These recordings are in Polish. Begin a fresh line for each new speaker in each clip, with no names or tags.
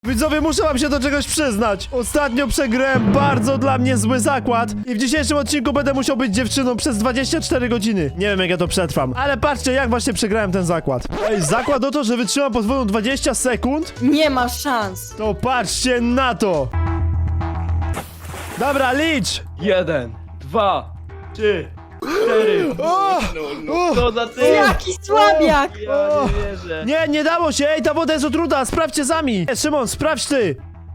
Widzowie, muszę wam się do czegoś przyznać. Ostatnio przegrałem bardzo dla mnie zły zakład i w dzisiejszym odcinku będę musiał być dziewczyną przez 24 godziny. Nie wiem, jak ja to przetrwam, ale patrzcie, jak właśnie przegrałem ten zakład. Ej, zakład o to, że wytrzymam podwójną 20 sekund?
Nie ma szans.
To patrzcie na to. Dobra, licz.
1, 2, 3, 4.
O! O!
Co za ty?
Jaki słabiak!
Ja nie wierzę.
Nie dało się, ej, ta woda jest otruta, sprawdźcie sami. Szymon, sprawdź ty.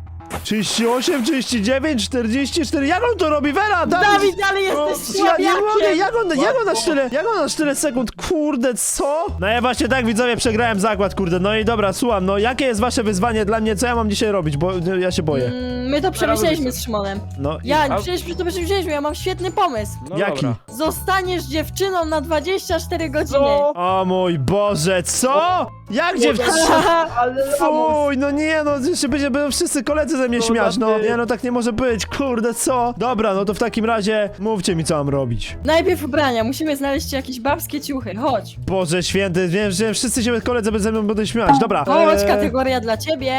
38, 39, 44, jak on to robi, Vera?
Dawid, ale jesteś
Ja nie mogę,
słabiakiem!
jak on na tyle sekund, kurde, co? No ja właśnie tak, widzowie, przegrałem zakład, kurde, no i dobra, słucham, no jakie jest wasze wyzwanie dla mnie, co ja mam dzisiaj robić, bo ja się boję.
My to przemyśleliśmy z Szymonem.
No i
Przecież to przemyśleliśmy, ja mam świetny pomysł.
No
jaki?
dobra.
Zostaniesz dziewczyną na 24 godziny.
Co?
O mój Boże, co? Jak dziewczyna?
Ale
Fuj, no nie, no jeszcze będą wszyscy koledzy ze mnie
No
śmiać, no.
ty.
Nie, no tak nie może być, kurde, co? Dobra, no to w takim razie mówcie mi, co mam robić.
Najpierw ubrania, musimy znaleźć jakieś babskie ciuchy, chodź.
Boże święty, wiem, że wszyscy się koledzy ze mną będą śmiać, dobra.
Chodź, kategoria dla ciebie.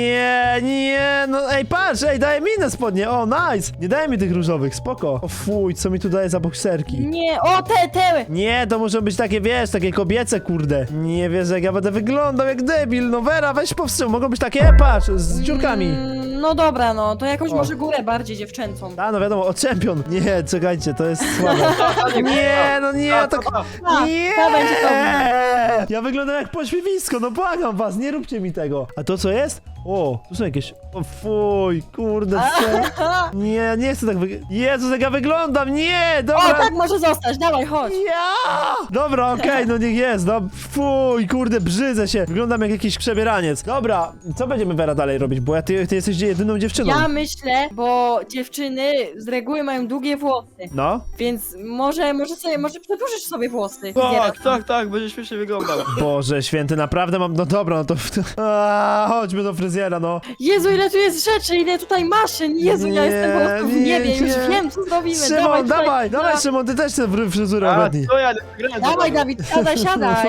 Nie, no ej, patrz, ej, daje mi inne spodnie, o, nice. Nie daje mi tych różowych, spoko. O fuj, co mi tu daje za bokserki?
Nie, o te!
Nie, to muszą być takie, wiesz, takie kobiece, kurde. Nie wiesz, jak ja będę wyglądał jak debil, no Vera, weź powstrzym, mogą być takie, patrz, z dziurkami.
No dobra, no, to jakąś
O.
może górę bardziej dziewczęcą.
A, no wiadomo, o czempion. Nie, czekajcie, to jest słabe. Nie, no nie, tak... Nie!
to będzie dobre.
Ja wyglądam jak pośmiewisko, no błagam was, nie róbcie mi tego. A to co jest? O, tu są jakieś... O fuj, kurde, co? Nie, nie chcę tak wyglądać. Jezus, jak ja wyglądam, nie,
O,
dobra.
tak może zostać, dawaj, chodź.
Ja! Dobra, okej, no niech jest, no fuj, kurde, brzydzę się. Wyglądam jak jakiś przebieraniec. Dobra, co będziemy, Vera, dalej robić? Bo ty jesteś jedyną dziewczyną.
Ja myślę, bo dziewczyny z reguły mają długie włosy,
No?
więc może przedłużysz sobie włosy.
Tak, będzie śmiesznie wyglądał.
Boże święty, naprawdę mam... No dobra, no to... Chodźmy do fryzjera, no.
Jezu, ile tu jest rzeczy, ile tutaj maszyn. Jezu, ja
Nie,
jestem po prostu w
nie,
niebie, już
nie.
wiem, co zrobimy.
Szymon,
dawaj,
dawaj, Szymon, ty też tę fryzurę
A,
ogarnij.
co ja grałem?
Dawaj, Dawid, siadaj.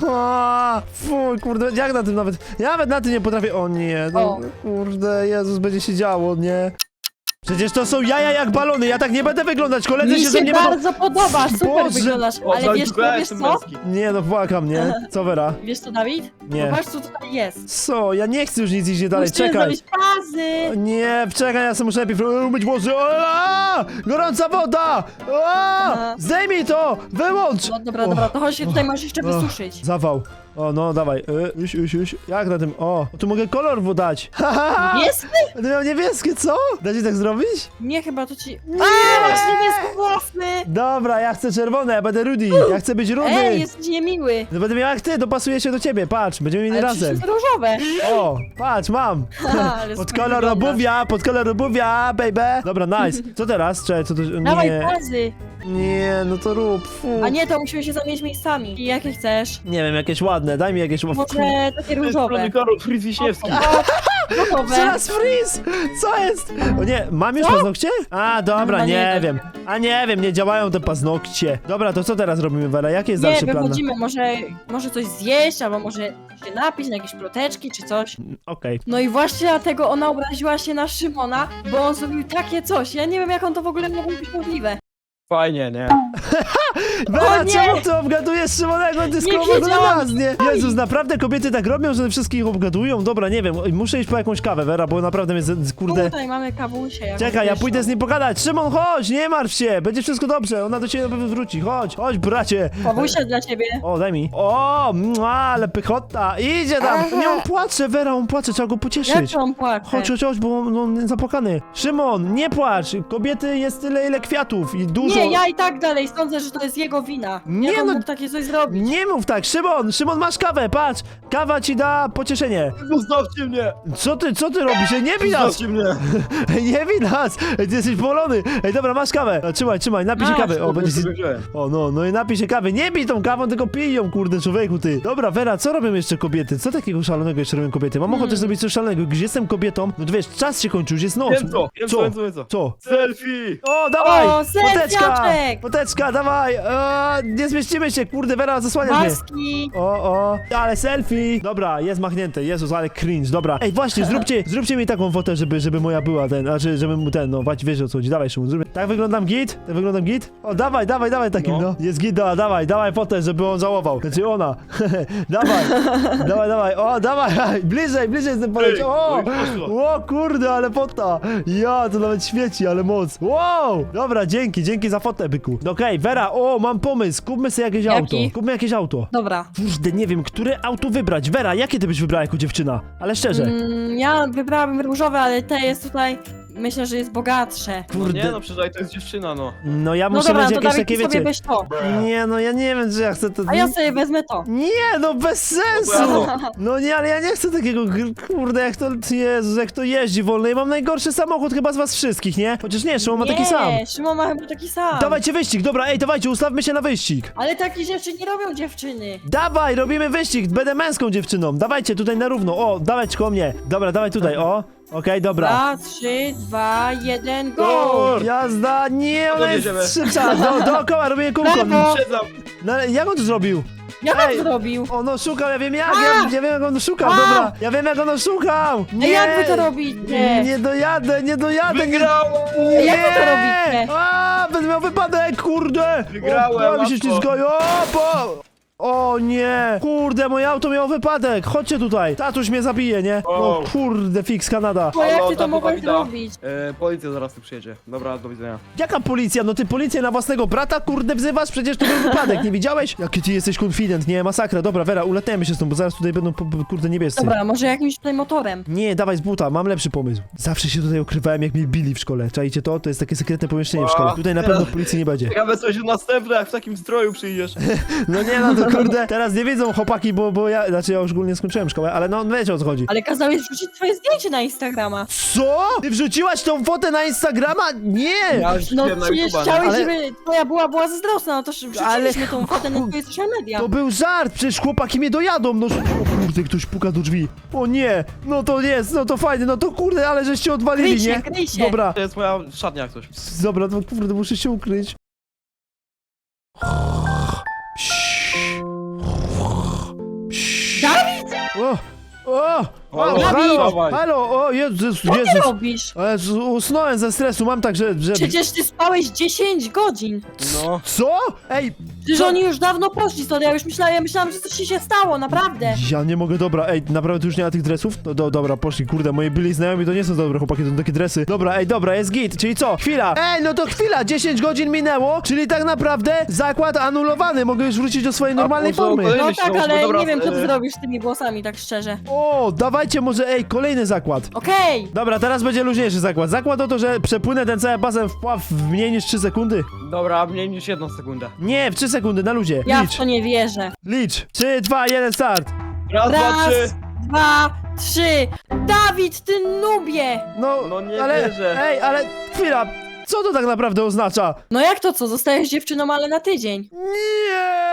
Fuj, kurde, jak na tym nawet... Ja nawet na tym nie potrafię... O nie, no,
O.
kurde, Jezus, będzie się działo, nie? Przecież to są jaja jak balony, ja tak nie będę wyglądać, koledzy
Mi
się ze
się
mnie będą...
bardzo podoba, super
Boże.
wyglądasz,
O,
ale wiesz co?
męski.
Nie, no płakam, nie? Co, Vera?
Wiesz co, Dawid?
Nie.
Zobacz, co tutaj jest.
Co? Ja nie chcę już nic iść dalej,
Musimy
czekaj.
zrobić pazy.
Nie, czekaj, ja sobie muszę najpierw umyć włosy. Gorąca woda! Zdejmij to! Wyłącz!
No dobra, to chodź się tutaj masz jeszcze wysuszyć.
Zawał. O, no, dawaj. Już. Jak na tym? O, tu mogę kolor dać.
Jest?
Będę miał niebieskie, co? Da się tak zrobić?
Nie, chyba to ci... A, masz niebieskie włosy!
Dobra, ja chcę czerwone, ja będę Rudy. Ja chcę być Rudy.
Ej, jesteś niemiły.
No będę miał jak ty, dopasuję się do ciebie, patrz, będziemy mieli
Ale
razem.
przecież jest różowe.
O, patrz, mam.
Ale
Pod
super
kolor
wyglądasz.
obuwia, baby. Dobra, nice. Co teraz? Czekaj, co to...
Dawaj
Nie,
pazy.
nie, no to rób, fu.
A nie, to musimy się zamienić miejscami. I jakie chcesz?
Nie wiem, jakieś ładne, daj mi jakieś...
Może takie różowe.
Fritz Wiśniewski.
Gotowe.
Teraz freeze! Co jest? O nie, mam już paznokcie? A, dobra,
Chyba nie
nie
da.
wiem. A nie wiem, nie działają te paznokcie. Dobra, to co teraz robimy, Vera? Jaki jest
Nie,
dalszy plan?
wychodzimy, może coś zjeść, albo może się napić na jakieś ploteczki czy coś.
Okej.
No i właśnie dlatego ona obraziła się na Szymona, bo on zrobił takie coś. Ja nie wiem, jak on to w ogóle mogło być możliwe.
Fajnie, nie?
Vera,
nie!
czemu ty obgadujesz Szymonego? Ty skoro
wiedziałam.
nas, nie? Jezus, naprawdę kobiety tak robią, że wszystkich obgadują? Dobra, nie wiem, muszę iść po jakąś kawę, Vera, bo naprawdę mnie, kurde...
Tutaj mamy kawusię.
Czekaj, ja pójdę z nim pogadać. Szymon, chodź, nie martw się, będzie wszystko dobrze, ona do ciebie na pewno wróci. Chodź, bracie.
Kawusia dla ciebie.
O, daj mi. O, ale pychota. Idzie tam.
Aha.
Nie, on płacze, Vera, on płacze, trzeba go
Jak
pocieszyć.
on płacze?
Chodź, bo on zapłakany. Szymon, nie płacz. Kobiety jest tyle, ile kwiatów i dużo.
Nie, ja i tak dalej sądzę, że to jest jego wina.
Nie,
Jak on
no-
mógł takie coś zrobić?
Nie mów tak, Szymon, masz kawę, patrz. Kawa ci da pocieszenie.
Zostawcie mnie!
Co ty robisz? Ej, nie bij nas.
Zostawcie mnie!
Ej, nie bij nas. Ej, ty jesteś bolony. Ej, dobra, masz kawę. Trzymaj, napij się
Masz,
kawy. O, będzie...
Wygrałem.
O, no i napij się kawy. Nie bij tą kawą, tylko pij ją, kurde, człowieku, ty. Dobra, Vera, co robią jeszcze kobiety? Co takiego szalonego jeszcze robią kobiety? Mam ochotę zrobić coś szalonego. Gdzie jestem kobietą, no to wiesz, czas się kończy, już jest noc.
Wiem co?
Co?
Wiem co?
Co?
Selfie!
O, dawaj!
O, selfiaczek!
Poteczka, dawaj! dawaj! Nie zmieścimy się, kurde, Vera, zasłaniasz mnie.
Maski!
O, ale selfie! Dobra, jest machnięte, Jezus, ale cringe, dobra. Ej, właśnie, zróbcie mi taką fotę, żeby moja była znaczy, żeby mu no, wiesz o co chodzi, dawaj, Szymon, zróbmy. Tak wyglądam git? Tak wyglądam git? O, dawaj takim, no. Jest git, dawaj fotę, żeby on żałował. Znaczy ona. dawaj, o, dawaj, bliżej z tym poleciał, o, kurde, ale fota. Ja, to nawet świeci, ale moc. Wow, dobra, dzięki za fotę, byku. Okej, Vera, mam pomysł, kupmy sobie jakieś
Jaki?
auto. Kupmy jakieś auto.
Dobra.
Kurde, nie wiem, które auto wybrać. Vera, jakie ty byś wybrała jako dziewczyna? Ale szczerze.
Ja wybrałabym różowe, ale te jest tutaj... Myślę, że jest bogatsze.
No
Kurde.
nie, no przecież to jest dziewczyna, no.
No ja
No
muszę
dobra,
mieć
to
jakieś
Dawid,
takie,
ty sobie
wiecie.
weź to.
Nie, no ja nie wiem, czy ja chcę to.
A ja sobie wezmę to.
Nie, no bez sensu! No nie, ale ja nie chcę takiego, kurde, Jezus, jak to jeździ wolno. Ja mam najgorszy samochód chyba z was wszystkich, nie? Chociaż nie, Szymon ma taki sam.
Nie, Szymon ma chyba taki sam.
Dawajcie wyścig, dobra, dawajcie, ustawmy się na wyścig.
Ale takie rzeczy nie robią dziewczyny.
Dawaj, robimy wyścig, będę męską dziewczyną. Dawajcie tutaj na równo, dawać koło mnie. Dobra, dawaj tutaj, Okej, dobra.
2, 3, 2, 1, go!
Jazda, nie, ona jest
jedziemy.
szybsza. Dookoła robimy kółko.
Brawo.
Siedzam.
No ale jak on to zrobił?
Jak
Ej.
on zrobił?
Ono szukał, ja wiem jak,
A!
ja wiem jak on szukał,
A!
dobra. Ja wiem jak ono szukał.
A jak wy to robicie?
Nie dojadę, nie.
Wygrałem!
Nie!
Jak wy to robicie?
Będę miał wypadek, kurde!
Wygrałem,
O, mi się
łatwo.
ślizgają, O nie! Kurde, moje auto miało wypadek! Chodźcie tutaj! Tatuś mnie zabije, nie? O
O.
kurde, fix Kanada!
Bo jak
Halo,
ty to
tato
mogłeś
Dawida.
zrobić?
Policja zaraz tu przyjedzie. Dobra, do widzenia.
Jaka policja? No ty policję na własnego brata, kurde, wzywasz? Przecież to był wypadek, nie widziałeś? Jaki ty jesteś konfident, nie? Masakra. Dobra, Vera, uletniemy się stąd, bo zaraz tutaj będą, kurde, niebiescy.
Dobra, może jakimś tutaj motorem.
Nie, dawaj z buta, mam lepszy pomysł. Zawsze się tutaj ukrywałem, jak mnie bili w szkole. Czajcie to? To jest takie sekretne pomieszczenie w szkole. Tutaj na pewno policji nie będzie.
Ciekawe coś następne, jak w takim stroju przyjdziesz.
No nie, no to kurde, teraz nie wiedzą chłopaki, bo ja, znaczy ja już ogólnie skończyłem szkołę, ale no wiecie o co chodzi.
Ale kazałeś wrzucić twoje zdjęcie na Instagrama.
Co? Ty wrzuciłaś tą fotę na Instagrama? Nie!
Ja już
No
wrzuciłem na
przecież
YouTube'a,
chciałeś,
Ale-
żeby twoja była zazdrosna, no to wrzuciliśmy tą fotę na twoje social media.
To był żart, przecież chłopaki mnie dojadą, no o kurde, ktoś puka do drzwi. O nie, no to jest, no to fajnie, no to kurde, ale żeście odwalili,
Kryj się,
nie?
kryj się.
Dobra,
To jest moja szatnia jak coś.
dobra, to kurde, muszę się ukryć.
Dawid!
Halo,
halo,
dawaj.
halo, o Jezus,
Co ty
Jezus.
robisz?
Usnąłem ze stresu, mam tak, że...
Przecież ty spałeś 10 godzin.
No.
Co? Ej,
Przecież
Co?
oni już dawno poszli stąd, ja myślałam, że coś się stało, naprawdę.
ja nie mogę, dobra, ej, naprawdę tu już nie ma tych dresów? No dobra, poszli, kurde, moi byli znajomi to nie są dobre chłopaki, to są takie dresy. Dobra, ej, dobra, jest git, czyli co? Chwila! Ej, no to chwila, 10 godzin minęło, czyli tak naprawdę zakład anulowany, mogę już wrócić do swojej normalnej
może
formy.
kolejny
No
się
tak,
załóżmy,
ale
dobra,
nie wiem, co ty zrobisz z tymi włosami, tak szczerze.
O, dawajcie może, ej, kolejny zakład.
Okej.
Dobra, teraz będzie luźniejszy zakład. Zakład o to, że przepłynę ten cały basen w pław w mniej niż 3 sekundy.
Dobra, mniej niż 1 sekundę.
Nie, w 3 sekundy, na luzie.
Ja w
Licz,
to nie wierzę.
licz. 3, 2, 1, start.
Raz, dwa,
Raz,
trzy.
2, 3. Dawid, ty nubie!
No nie
ale,
wierzę.
ej, ale chwila, co to tak naprawdę oznacza?
No jak to co, zostajesz dziewczyną, ale na tydzień.
Nie!